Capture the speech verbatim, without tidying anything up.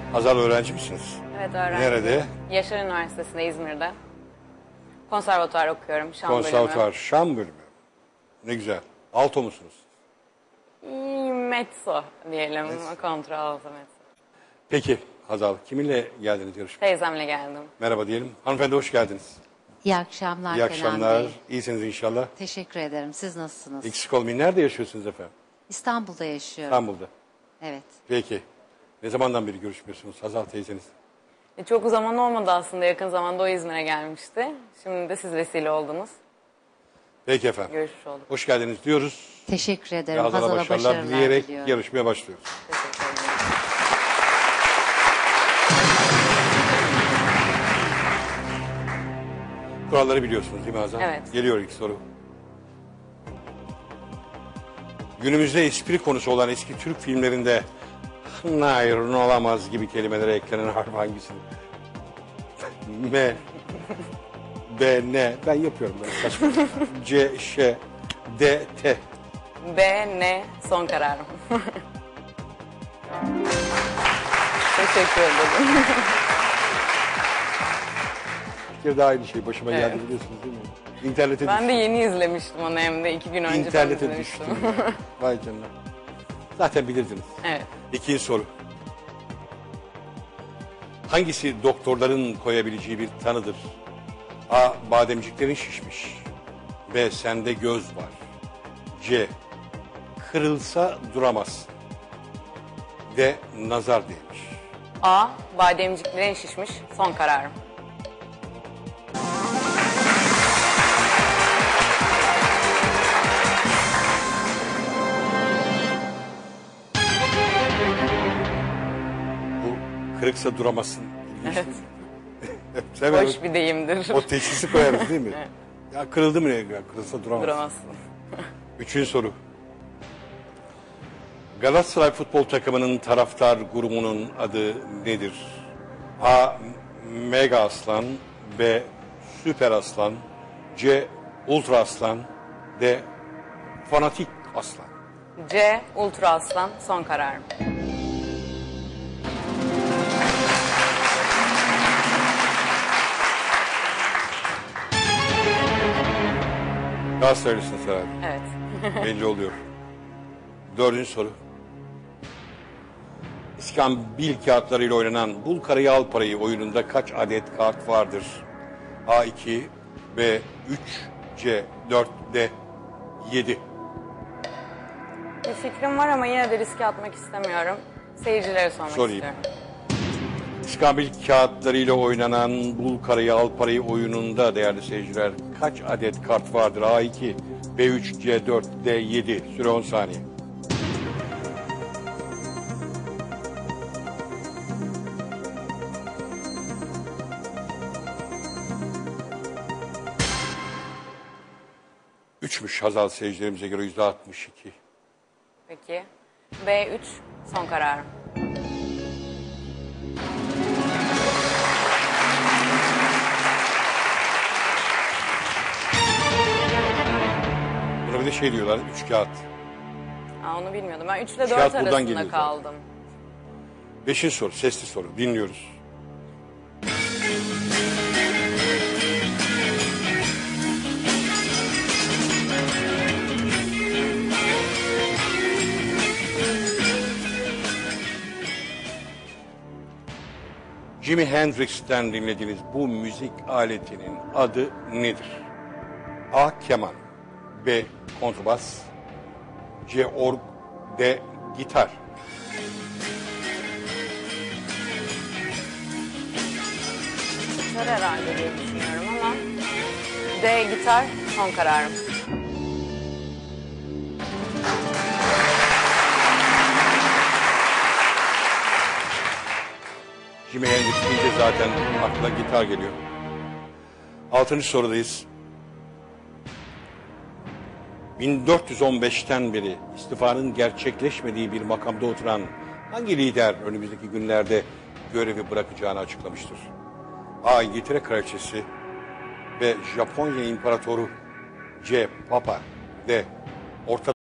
Hazal öğrenci misiniz? Evet, öğrenci. Nerede? Yaşar Üniversitesi'nde, İzmir'de. Konservatuvar okuyorum, şan bölümü. Konservatuvar, şan bölümü. Ne güzel. Alto musunuz? İyi, mezzo diyelim, kontralto mezzo. Peki Hazal, kiminle geldiniz yarışmaya? Teyzemle geldim. Merhaba diyelim. Hanımefendi hoş geldiniz. İyi akşamlar İyi Kenan akşamlar. Bey. İyisiniz inşallah. Teşekkür ederim. Siz nasılsınız? Eksik olmayın. Nerede yaşıyorsunuz efendim? İstanbul'da yaşıyorum. İstanbul'da. Evet. Peki. Ne zamandan beri görüşmüyorsunuz Hazal teyzeniz? E, çok zaman olmadı aslında, yakın zamanda o İzmir'e gelmişti. Şimdi de siz vesile oldunuz. Peki efendim. Görüşmüş olduk. Hoş geldiniz diyoruz. Teşekkür Ve ederim. Hazal'a Hazal'a başarılar başarılar dileyerek diliyorum. yarışmaya başlıyoruz. Teşekkür ederim. Kuralları biliyorsunuz değil mi Hazal? Evet. Geliyor ilk soru. Günümüzde espri konusu olan eski Türk filmlerinde hayır olamaz gibi kelimelere eklenen harf hangisidir? M, B, N. Ben yapıyorum böyle saçma. C, Ş, D, T. B, N, son kararım. Teşekkür ederim. Bir kere daha aynı şey başıma Evet. geldi biliyorsunuz değil mi? İnternete Ben düştüm. de yeni izlemiştim onu, hem de iki gün önce ben İnternete izlemiştim. düştüm. ya. Vay canına. Zaten bilirdiniz. Evet. İkinci soru. Hangisi doktorların koyabileceği bir tanıdır? A. Bademciklerin şişmiş. B. Sende göz var. C. Kırılsa duramaz. D. Nazar değmiş. A, bademciklerin şişmiş, son kararım. Bu kırıksa duramazsın. İlginç Evet. değil mi? Hemen Hoş bir deyimdir. o teşhisi koyarız değil mi? Ya kırıldı mı ne? Ya kırılsa duramaz. Duramazsın. Üçüncü soru. Galatasaray futbol takımının taraftar grubunun adı nedir? A. Mega Aslan. B. Süper Aslan. C. Ultra Aslan. D. Fanatik Aslan. C, Ultra Aslan, son kararım. Galatasaraylısınız herhalde. Evet. Belli oluyor. Dördüncü soru. İskambil kağıtlarıyla oynanan Bul Karayı Al Parayı oyununda kaç adet kart vardır? A iki, B üç, C dört, D yedi. Bir fikrim var ama yine de riske atmak istemiyorum. Seyircilere sormak Sorayım. istiyorum. İskambil kağıtlarıyla oynanan Bul Karayı Al Parayı oyununda değerli seyirciler kaç adet kart vardır? A iki, B üç, C dört, D yedi. Süre on saniye. Üçmüş Hazal seyircilerimize göre yüzde altmış iki. Peki. B üç, son kararım. Buna bir de şey diyorlar, üç kağıt. Aa, onu bilmiyordum. Ben üç ile dört Kağıt buradan arasında geliyor zaten. kaldım. Beşinci soru, sesli soru. Dinliyoruz. Jimi Hendrix'ten dinlediğiniz bu müzik aletinin adı nedir? A. Keman. B. Kontrbas. C. Org. D. Gitar. Gitar herhalde diye düşünüyorum ama D, gitar, son kararım. Jimi Hendrix deyince zaten aklına gitar geliyor. Altıncı sorudayız. bin dört yüz on beşten beri istifanın gerçekleşmediği bir makamda oturan hangi lider önümüzdeki günlerde görevi bırakacağını açıklamıştır? A. İngiltere Kraliçesi. B. Japonya İmparatoru. C. Papa. D. Orta